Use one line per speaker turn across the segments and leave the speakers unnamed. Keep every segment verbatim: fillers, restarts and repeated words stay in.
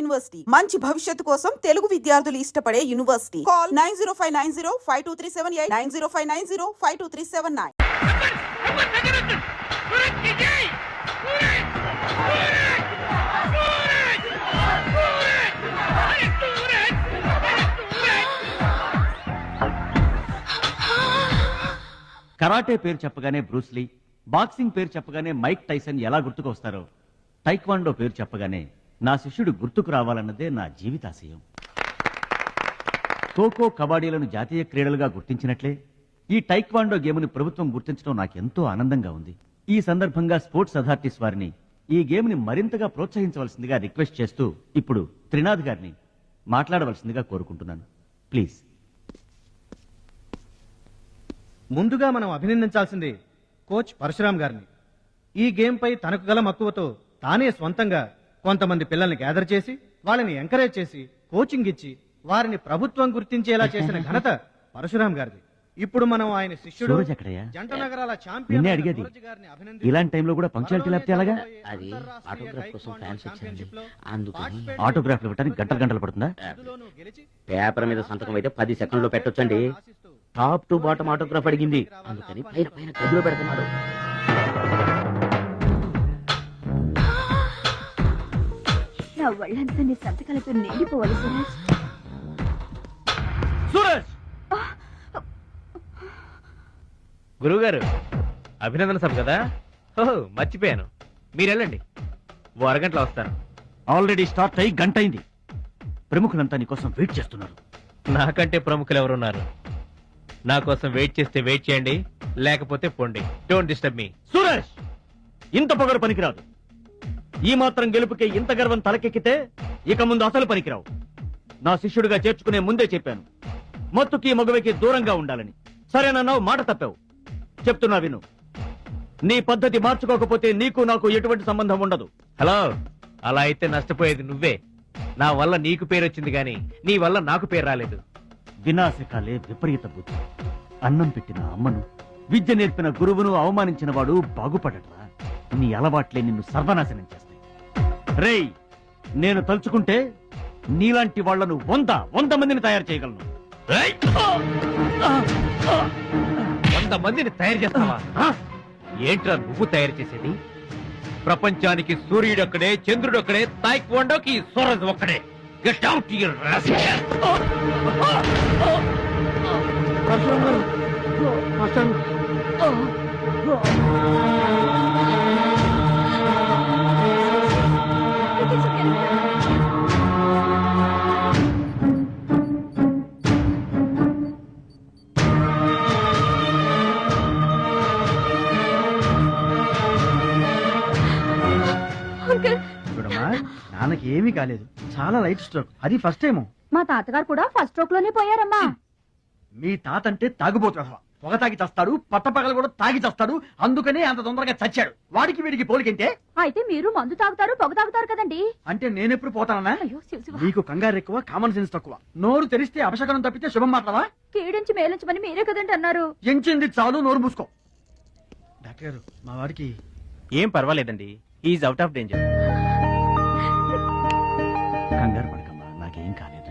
University మంచి భవిష్యత్తు కోసం తెలుగు విద్యార్థులు ఇష్టపడే university. Call nine zero five nine zero five two three seven eight nine zero five nine zero five two three seven nine.
Karate పేరు చెప్పగానే Bruce Lee, boxing పేరు చెప్పగానే మైక్ టైసన్ ఎలా గుర్తుకొస్తారో, టైక్వాండో పేరు చెప్పగానే నా శిష్యుడు గుర్తుకు రావాలన్నదే నా జీవితాశయం. ఖోఖో, కబడ్డీలను జాతీయ క్రీడలుగా గుర్తించినట్లే ఈ టైక్వాండో గేమ్ని ప్రభుత్వం గుర్తించడం నాకెంతో ఆనందంగా ఉంది. ఈ సందర్భంగా స్పోర్ట్స్ అథారిటీస్ వారిని ఈ గేమ్ని మరింతగా ప్రోత్సహించవలసిందిగా రిక్వెస్ట్ చేస్తూ ఇప్పుడు త్రినాథ్ గారిని మాట్లాడవలసిందిగా కోరుకుంటున్నాను. ప్లీజ్.
ముందుగా మనం అభినందించాల్సింది కోచ్ పరశురామ్ గారిని. ఈ గేమ్ పై తనకు గల మక్కువతో తానే స్వంతంగా కొంతమంది పిల్లల్ని గ్యాదర్ చేసి వాళ్ళని ఎంకరేజ్ చేసి కోచింగ్ ఇచ్చి వారిని ప్రభుత్వం గుర్తించేలా చేసిన ఘనత పరశురామ్ గారిది. ఇప్పుడు మనం ఆయన శిష్యుడు జంట నగరాల ఛాంపియన్
అడిగేది ఇలాంటి టైంలో కూడా పంక్చువాలిటీ లేకపోతే ఎలాగా?
అది ఆటోగ్రాఫ్ కోసం ఫ్యాన్స్ వచ్చారండి, అందుకని
ఆటోగ్రాఫ్ ఇవ్వడానికి గంటలు గంటలు పడుతుందా?
పేపర్ మీద సంతకం అయితే పది సెకండ్లో పెట్టొచ్చండి. టాప్ టు బాటం ఆటోగ్రాఫ్ అడిగింది, అందుకని పైన పైన గదిలో పెడుతున్నాడు.
నా వాళ్ళంతా నీ సంతకాలతో నిండిపోవాలి సురేష్.
సురేష్!
గురువుగారు, అభినందన సభ కదా? ఓహో, మర్చిపోయాను. మీరు వెళ్ళండి, ఓ అరగంటలో వస్తాను.
ఆల్రెడీ స్టార్ట్ అయ్యి గంట అయింది. ప్రముఖులంతా నీ కోసం వెయిట్ చేస్తున్నారు.
నాకంటే ప్రముఖులు ఎవరున్నారు? నా కోసం వెయిట్ చేస్తే వెయిట్ చేయండి, లేకపోతే పోండి. Don't disturb me.
సురేష్, ఇంత పొగరు పనికిరాదు. ఈ మాత్రం గెలుపుకే ఇంత గర్వం తలకెక్కితే ఇక ముందు అసలు పనికిరావు. నా శిష్యుడిగా చేర్చుకునే ముందే చెప్పాను, మత్తుకి మగువకి దూరంగా ఉండాలని. సరేనన్నావు, మాట తప్పావు. చెప్తున్నా విను. నీ పద్ధతి మార్చుకోకపోతే నీకు నాకు ఎటువంటి సంబంధం ఉండదు.
హలో, అలా అయితే నష్టపోయేది నువ్వే. నా వల్ల నీకు పేరు వచ్చింది గాని నీ వల్ల నాకు పేరు రాలేదు.
వినాశకాలే విపరీత బుద్ధి. అన్నం పెట్టిన అమ్మను, విద్య నేర్పిన గురువును అవమానించిన వాడు బాగుపడట్రా. నీ అలవాట్లే నిన్ను సర్వనాశనం చేస్తాయి. రేయ్, నేను తలుచుకుంటే నీలాంటి వాళ్లను వంద వంద మందిని తయారు చేయగలను.
వంద మందిని తయారు చేస్తావా? ఏంట్రా నువ్వు తయారు చేసేది? ప్రపంచానికి సూర్యుడు ఒక్కడే, చంద్రుడు ఒక్కడే, తాయిక్వాండోకి సూరజ్ ఒక్కడే. Get out your rascal.
చూడమ్మా, నాన్నకి ఏమీ కాలేదు, చాలా లైట్ స్ట్రోక్. అది ఫస్ట్ టైం.
మా తాతగారు కూడా ఫస్ట్ స్ట్రోక్ లోనే పోయారమ్మా.
మీ తాత అంటే తాగుబోతున్నా, పొగ తాగి చస్తాడు, పట్టపగలు కూడా తాగి చస్తాడు. అందుకనే అంత తొందరగా చచ్చాడు. వాడికి వీడికి పోలికంటే.
అయితే మీరు మందు తాగుతారు, పొగ తాగుతారు కదండి.
అంటే నేనెప్పుడు పోతానన్నా?
అయ్యో శివ శివ.
నీకు కంగారు ఎక్కువ, కామన్ సెన్స్ తక్కువ. నోరు తెరిస్తే అపశకనం తప్పితే శుభం మాట్లాడవా?
కీడించి మేలించమని మీరే కదండి అన్నారు.
ఎంచింది చాలు, నోరు మూసుకో. డాక్టర్ గారు, మా వాడికి
ఏం పర్వాలేదండి, ఈజ్ అవుట్ ఆఫ్ డేంజర్.
కంగారు పడకమ్మా, నాకేం కాలేదు.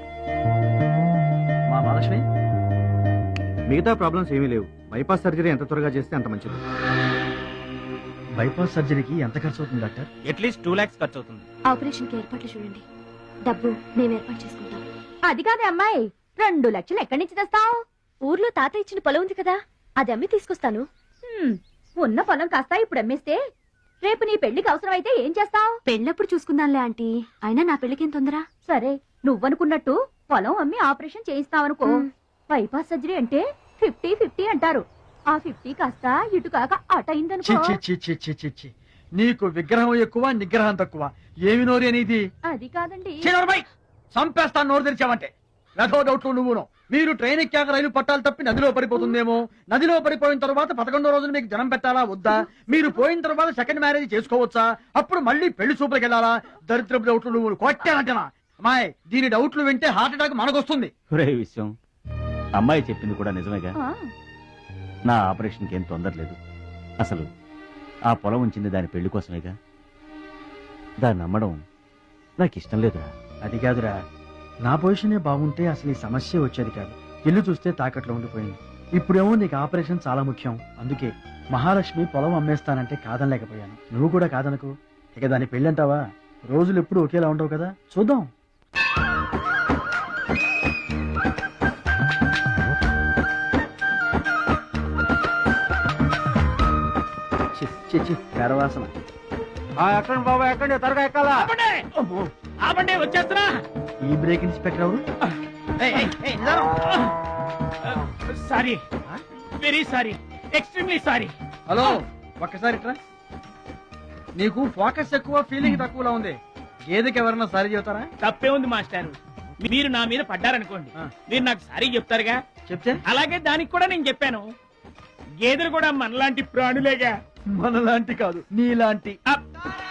మా మహాలక్ష్మి, మిగతా ప్రాబ్లమ్స్ ఏమీ లేవు. బైపాస్ సర్జరీ ఎంత త్వరగా చేస్తే అంత మంచిది. బైపాస్ సర్జరీకి ఎంత ఖర్చు అవుతుంది డాక్టర్?
అట్లీస్ట్ టూ లాక్స్ ఖర్చు అవుతుంది.
ఆపరేషన్ కి ఏర్పాట్లు చూడండి, డబ్బు మేము ఏర్పాటు చేసుకుంటాం. అది కాదే అమ్మాయి, రెండు లక్షలు ఎక్కడి నుంచి తెస్తావు? ఊర్లో తాత ఇచ్చిన పొలం ఉంది కదా, అది అమ్మి తీసుకొస్తాను. ఉన్న పొలం కాస్త ఇప్పుడు అమ్మేస్తే రేపు నీ పెళ్లికి అవసరం అయితే ఏం చేస్తావు? పెళ్ళప్పుడు చూసుకుందాంలే ఆంటీ, అయినా నా పెళ్లికేం తొందర. సరే, నువ్వనుకున్నట్టు పొలం అమ్మి ఆపరేషన్ చేయిస్తావనుకో. బైపాస్ సర్జరీ అంటే ఫిఫ్టీ ఫిఫ్టీ అంటారు. ఆ ఫిఫ్టీ కాస్త ఇటు కాక అట అయిందనుకో.
నీకు విగ్రహం ఎక్కువ, నిగ్రహం తక్కువ. ఏమి నోరు అనేది?
అది కాదండి.
చంపేస్తాను నోరు తెరిచావంటే. రథో డౌట్లు నువ్వును. మీరు ట్రైన్ ఎక్కాక రైలు పట్టాలు తప్పి నదిలో పడిపోతుందేమో. నదిలో పడిపోయిన తర్వాత పదకొండో రోజున మీకు జనం పెట్టాలా వద్దా? మీరు పోయిన తర్వాత సెకండ్ మ్యారేజ్ చేసుకోవచ్చా? అప్పుడు మళ్ళీ పెళ్లి చూపులకు వెళ్ళాలా? దరిద్రపు డౌట్లు నువ్వు కొట్టానంటనా? అమ్మాయి, దీని డౌట్లు వింటే హార్ట్ అటాక్ మనకొస్తుంది.
ఒరే విషయం, అమ్మాయి చెప్పింది కూడా నిజమేగా. నా ఆపరేషన్కి ఏం తొందర లేదు. అసలు ఆ పొలం ఉంచింది దాని పెళ్లి కోసమేగా. దాన్ని నమ్మడం నాకు ఇష్టం లేదురా.
అది కాదురా, నా పొజిషనే బాగుంటే అసలు ఈ సమస్య వచ్చేది కాదు. ఇల్లు చూస్తే తాకట్లో ఉండిపోయింది. ఇప్పుడేమో నీకు ఆపరేషన్ చాలా ముఖ్యం. అందుకే మహాలక్ష్మి పొలం అమ్మేస్తానంటే కాదనలేకపోయాను. నువ్వు కూడా కాదనకు. ఇక దాని పెళ్ళంటావా? రోజులు ఎప్పుడు ఒకేలా ఉండవు కదా, చూద్దాం. చి, చి, చి, గర్వాసన. ఎక్కండి బాబా, ఎక్కండి, త్వరగా ఎక్కాలా.
ఆపండి, వచ్చేస్తున్నా.
ఈ బ్రేక్ ఇన్స్పెక్టర్ ఎవరు?
Sorry, very sorry, extremely sorry.
Hello, ఒక్కసారి ఇట్రా. నీకు ఫోకస్ ఎక్కువ, ఫీలింగ్ తక్కువలా ఉంది. గేదెకి ఎవరన్నా సారీ చెబుతారా?
తప్పే ఉంది మాస్టారు. మీరు నా మీద పడ్డారనుకోండి,
ఆ.
మీరు నాకు సారీ చెప్తారుగా.
చెప్తే
అలాగే దానికి కూడా నేను చెప్పాను. గేదెలు కూడా మనలాంటి ప్రాణులేగా.
మనలాంటి కాదు, నీలాంటి.
అప్.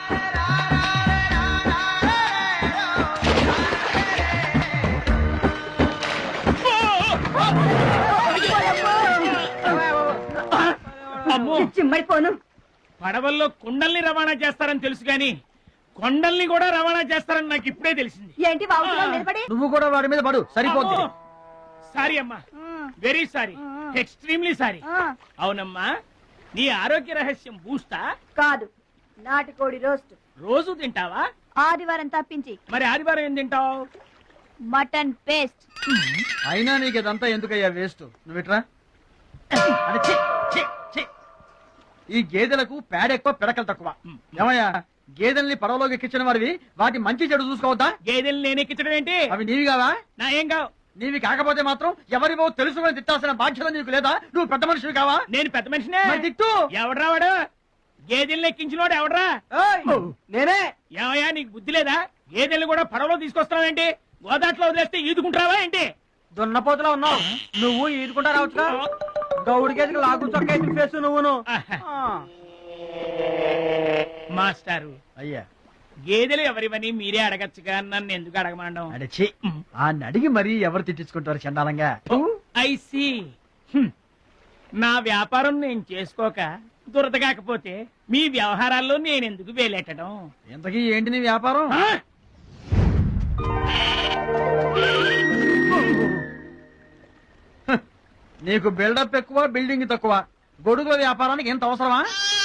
అమ్మో,
చిమ్మడిపోను.
పడవల్లో కుండల్ని రవాణా చేస్తారని తెలుసు గాని కొండల్ని కూడా రవాణా చేస్తారని నాకు ఇప్పుడే తెలిసింది.
ఏంటి బాబు నిలబడి?
నువ్వు కూడా వాడి మీద పడు, సరిపోద్ది.
అమ్మో. సారీ అమ్మా, వెరీ సారీ, ఎక్స్ట్రీమ్లీ సారీ. అవునమ్మా, నీ ఆరోగ్య రహస్యం బూస్తా?
కాదు, నాటుకోడి రోస్ట్.
రోజు తింటావా?
ఆదివారం తప్పించి.
మరి ఆదివారం ఏం తింటావు?
Mutton paste.
అయినా నీకు ఇదంతా ఎందుకయ్యా వేస్ట్. నువ్వు ఇట్రా. అరే, ఛీ, ఛీ, ఛీ. ఈ గేదెలకు పేడ ఎక్కువ, పిడకలు తక్కువ. ఏమయ్యా, గేదెల్ని పడవలోకి ఎక్కించిన వారివి వాటి మంచి చెడు చూసుకోవద్దా?
గేదెలు నేనెక్కించడం ఏంటి?
అవి నీవి కావా?
నా ఏం కావు.
నీవి కాకపోతే మాత్రం ఎవరివో తెలుసుకుని తిట్టాల్సిన బాధ్యత నీకు లేదా? నువ్వు పెద్ద మనిషివి కావా?
నేను పెద్ద మనిషినే.
మరి తిట్టు.
ఎవడ్రా వాడు? గేదెల్ని ఎక్కించినోడు ఎవడ్రా?
నేనే.
ఏమయ్యా, నీకు బుద్ధి లేదా? గేదెల్ని కూడా పడవలో తీసుకొస్తున్నావు ఏంటి? గోదాట్లో వదిలేస్తే ఈదుకుంటావా ఏంటి?
దున్నపోతులా ఉన్నావు. నువ్వు ఈదుకుంటా రావచ్చుగా. గౌడి గేదెకి లాగు చొక్కా ఫేస్ నువ్వును.
మాస్టారు,
అయ్యా,
గేదెలు ఎవరివని మీరే అడగచ్చుగా, నన్ను ఎందుకు అడగమండం?
అడచి ఆ అడిగి మరీ ఎవరు తిట్టించుకుంటారు చండాలంగా?
I see. నా వ్యాపారం నేను చేసుకోక దురద కాకపోతే మీ వ్యవహారాల్లో నేను ఎందుకు వేలెట్టడం?
ఇంతకీ ఏంటి నీ వ్యాపారం?
ఆ?
నీకు బిల్డప్ ఎక్కువ, బిల్డింగ్ తక్కువ. గొడుగుల వ్యాపారానికి ఎంత అవసరమా?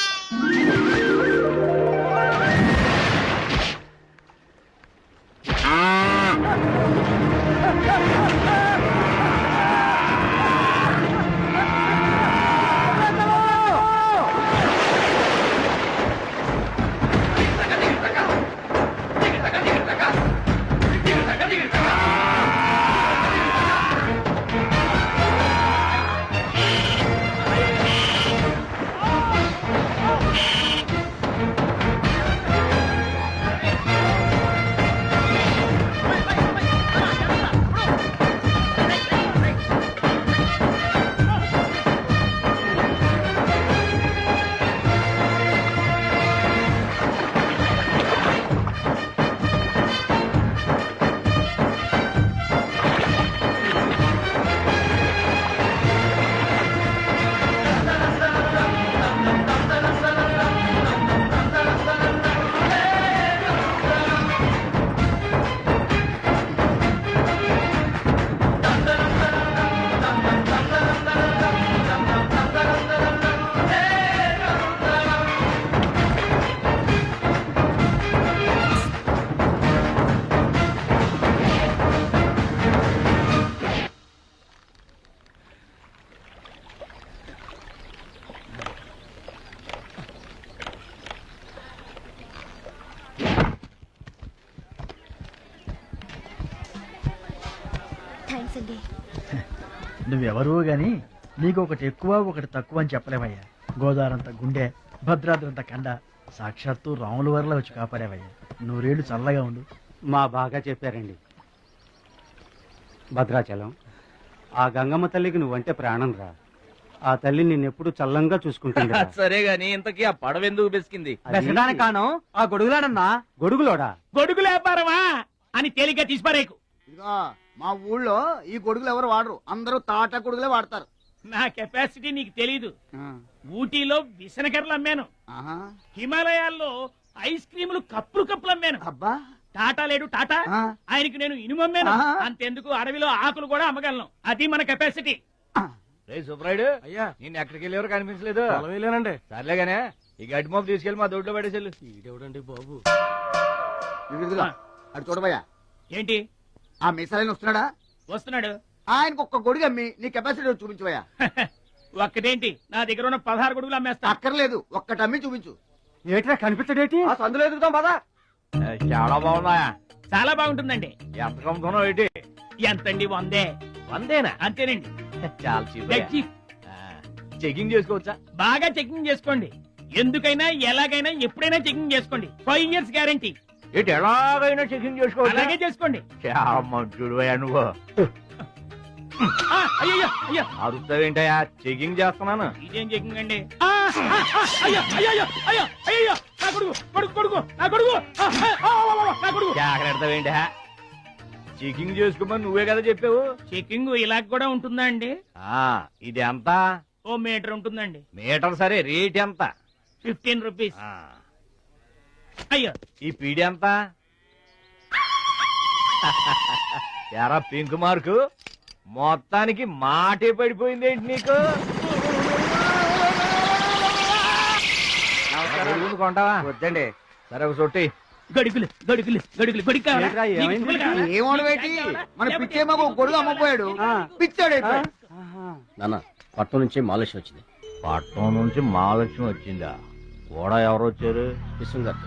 థ్యాంక్స్ అండి.
నువ్వెవరూ గాని నీకు ఒకటి ఎక్కువ ఒకటి తక్కువ అని చెప్పలేవయ్యా. గోదావరంత గుండె, భద్రాద్రంత కండ, సాక్షాత్తు రాముల వరలో వచ్చి కాపారేవయ్యా. నూరేళ్లు చల్లగా ఉండు.
మా బాగా చెప్పారండి. భద్రాచలం, ఆ గంగమ్మ తల్లికి నువ్వంటే ప్రాణం రా. ఆ తల్లి నిన్నెప్పుడు చల్లంగా చూసుకుంటుంది.
సరే గాని ఇంతకీ ఆ పడవ ఎందుకు బెసికింది?
కాను ఆ గొడుగులాడన్నా. గొడుగులోడా?
గొడుగు వ్యాపారమా అని తేలిగ్గా తీసిపారేకు.
ఇదిగో మా ఊళ్ళో ఈ గొడుగులు ఎవరు వాడరు, అందరూ తాటా గొడుగులే వాడతారు.
నా కెపాసిటీ నీకు తెలీదు. ఊటీలో విసనకర్రలు అమ్మాను, హిమాలయాల్లో ఐస్ క్రీములు కప్పులు కప్పులు అమ్మాను.
అబ్బా
టాటా లేడు టాటా
ఆ.
ఆయనకి నేను ఇనుమమ్మేను
ఆహా.
అంతెందుకు అడవిలో ఆకులు కూడా అమ్మగలను అది మన కెపాసిటీ.
రే సుబ్రాయుడు అయ్యా నేను ఎక్కడికి వెళ్ళేవారు కనిపించలేదు వెళ్ళానండి సర్లేగానే ఈ గడ్డి మోపు తీసుకెళ్ళి మా దొడ్లో పడేసేళ్ళు ఇదేవిడండి బాబు
ఇదిగో, ఇదిగో. అటు చూడబోయా
ఏంటి
ఆ మిసాలైన వస్తున్నాడా
వస్తున్నాడు?
ఆయనకు ఒక్క గొడుగు అమ్మి నీ కెపాసిటీ చూపించబోయా
ఒక్కటేంటి నా దగ్గర ఉన్న పదహారు గొడుగులు అమ్మేస్తా.
అక్కర్లేదు ఒక్కటి అమ్మి చూపించు.
ఏట్రా కనిపించడేటి
ఆ సందులో ఎదుగుతాం పదా.
చాలా బాగుందా
చాలా బాగుంటుందండి.
ఎంత కమ్ముతున్నావు ఏంటి
ఎంతండి? వందే.
వందేనా
అంతేనండి.
చాలా చీప్
డెడ్ చీఫ్.
చెకింగ్ చేసుకోవచ్చా
బాగా చెకింగ్ చేసుకోండి. ఎందుకైనా ఎలాగైనా ఎప్పుడైనా చెకింగ్ చేసుకోండి. Five years guarantee.
ఏంటి ఎలాగైనా చెకింగ్ చేసుకోవచ్చా
అలాగే చేసుకోండి.
చాలా మంచుడు నువ్వు
ఆ, అయ్యయ్యో, అయ్యో
అరుస్తావేంటయా చెకింగ్ చేస్తున్నాను
ఇదేం చెకింగ్ అండి? ఆ, ఆ, ఆ, అయ్యో అయ్యో అయ్యో అయ్యో నా కొడుకు కొడుకు కొడుకు నా కొడుకు ఆ, ఆ, ఆ, ఆ, ఆ, నా కొడుకు.
జాగ్రత్తవేంటి చెకింగ్ చేసుకోమని నువ్వే కదా చెప్పావు
చెకింగ్ ఇలా కూడా ఉంటుందా అండి?
ఆ ఇది ఎంత
ఓ మీటర్ ఉంటుందండి.
మీటర్ సరే రేట్ ఎంత
ఫిఫ్టీన్ రూపీస్.
ఆ,
అయ్యో
ఈ పీడి ఎంత ఎరా పింక్ మార్కు మొత్తానికి మాటే పడిపోయింది ఏంటి నీకు గొడుగులు కొంటావా
వద్దండి.
సరే ఒక సొట్టి
గడుగులు గడుగులు గడుగులు గొడుగు కావాలా?
ఏంట్రా,
నీకు
ఏమైంది?
తువ్వలు కావాలా?
ఏమోడు వేటి మన పిచ్చే మాకు గొడుగు అమ్మపోయాడు పిచ్చాడు అయిపోయాడు.
నాన్న పట్నం నుంచి మాలేష్ వచ్చింది.
పట్నం నుంచి మహాలక్ష్మి వచ్చిందా కూడా ఎవరు వచ్చారు
విశ్వం గారు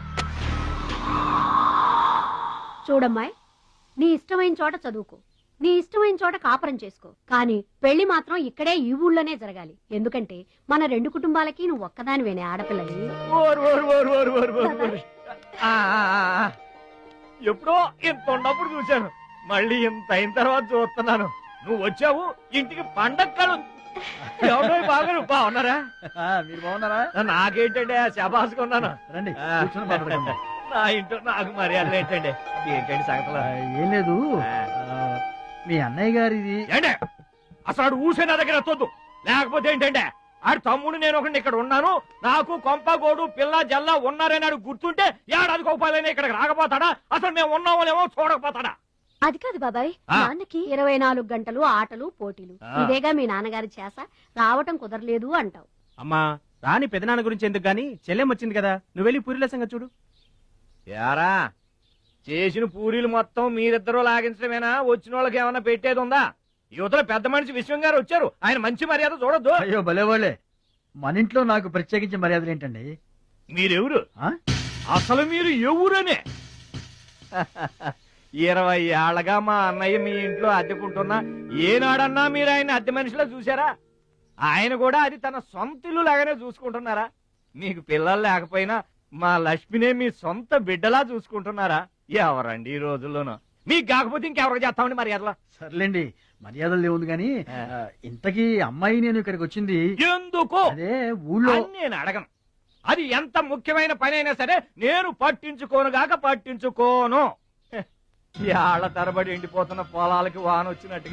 చూడమ్మాయి, నీ ఇష్టమైన చోట చదువుకో, నీ ఇష్టమైన చోట కాపురం చేసుకో, కానీ పెళ్లి మాత్రం ఇక్కడే ఈ ఊళ్ళోనే జరగాలి. ఎందుకంటే మన రెండు కుటుంబాలకి నువ్వు ఒక్కదానివేనే ఆడపిల్లని.
ఓరు, ఓరు, ఓరు, ఓరు, ఓరు, ఓరు, ఓరు. ఆ, ఆ, ఆ. ఎప్పుడో ఇంత ఉన్నప్పుడు చూశాను మళ్ళీ ఇంత అయిన తర్వాత చూస్తున్నాను నువ్వు వచ్చావు ఇంటికి పండగ కలు ఎవరో బాగా బాగున్నారా
మీరు బాగున్నారా?
నాకేంటండి శబాసుకున్నాను
రండి
ఆ.
కూర్చొని మాట్లాడుకుందాం.
నా ఇంట్లో నాకు మర్యాదలు ఏంటండి ఏంటండి సంగతులు
ఆ, ఏం లేదు ఆ, మీ అన్నయ్య గారిది
ఏంటే అసలు ఆడు ఊసే నా దగ్గర వద్దు లేకపోతే ఏంటంటే ఆడు తమ్ముడు నేను ఒకటి ఇక్కడ ఉన్నాను నాకు కొంపగోడు పిల్ల జల్ల ఉన్నారని ఆడు గుర్తుంటే ఏడాది కోపాలని ఇక్కడికి రాకపోతాడా అసలు మేము ఉన్నామోలేమో చూడకపోతాడా
అది కాదు బాబాయ్,
ఆ.
నాన్నకి ఇరవై నాలుగు గంటలు ఆటలు పోటీలు,
ఆ.
ఇదేగా మీ నాన్నగారి చేస, రావటం కుదరలేదు అంటావు.
అమ్మా రాని పెదనాన్న గురించి ఎందుకు గాని చెల్లెం వచ్చింది కదా, నువ్వు వెళ్ళి పూరిల సంగతి చూడు.
యారా చేసిన పూరీలు మొత్తం మీరిద్దరూ లాగించడమేనా వచ్చిన వాళ్ళకి ఏమన్నా పెట్టేది ఉందా యువతల పెద్ద మనిషి విశ్వం గారు వచ్చారు ఆయన మంచి మర్యాద చూడొద్దు
అయ్యో భలేవాళ్ళే, మన ఇంట్లో నాకు ప్రత్యేకించి మర్యాదలు ఏంటండి?
మీరెవరు
ఆ?
అసలు మీరు ఎవరనే ఇరవై ఏళ్ళగా మా అన్నయ్య మీ ఇంట్లో అద్దెకుంటున్నా ఏనాడన్నా మీరు ఆయన అద్దె మనిషిలో చూసారా ఆయన కూడా అది తన సొంత ఇల్లు లాగానే చూసుకుంటున్నారా మీకు పిల్లలు లేకపోయినా మా లక్ష్మినే మీ సొంత బిడ్డలా చూసుకుంటున్నారా ఎవరండి ఈ రోజుల్లోనూ మీకు కాకపోతే ఇంకెవరికి చేస్తామండి మర్యాదలో
సర్లేండి మర్యాదలు ఏముంది గాని
ఆ.
ఆ, ఇంతకీ అమ్మాయి నేను ఇక్కడికి వచ్చింది
ఎందుకు
అదే ఊళ్ళో
అని నేను అడగను అది ఎంత ముఖ్యమైన పని అయినా సరే నేను పట్టించుకోను గాక పట్టించుకోను ఏళ్ల తరబడి ఎండిపోతున్న పొలాలకి వాన వచ్చినట్టు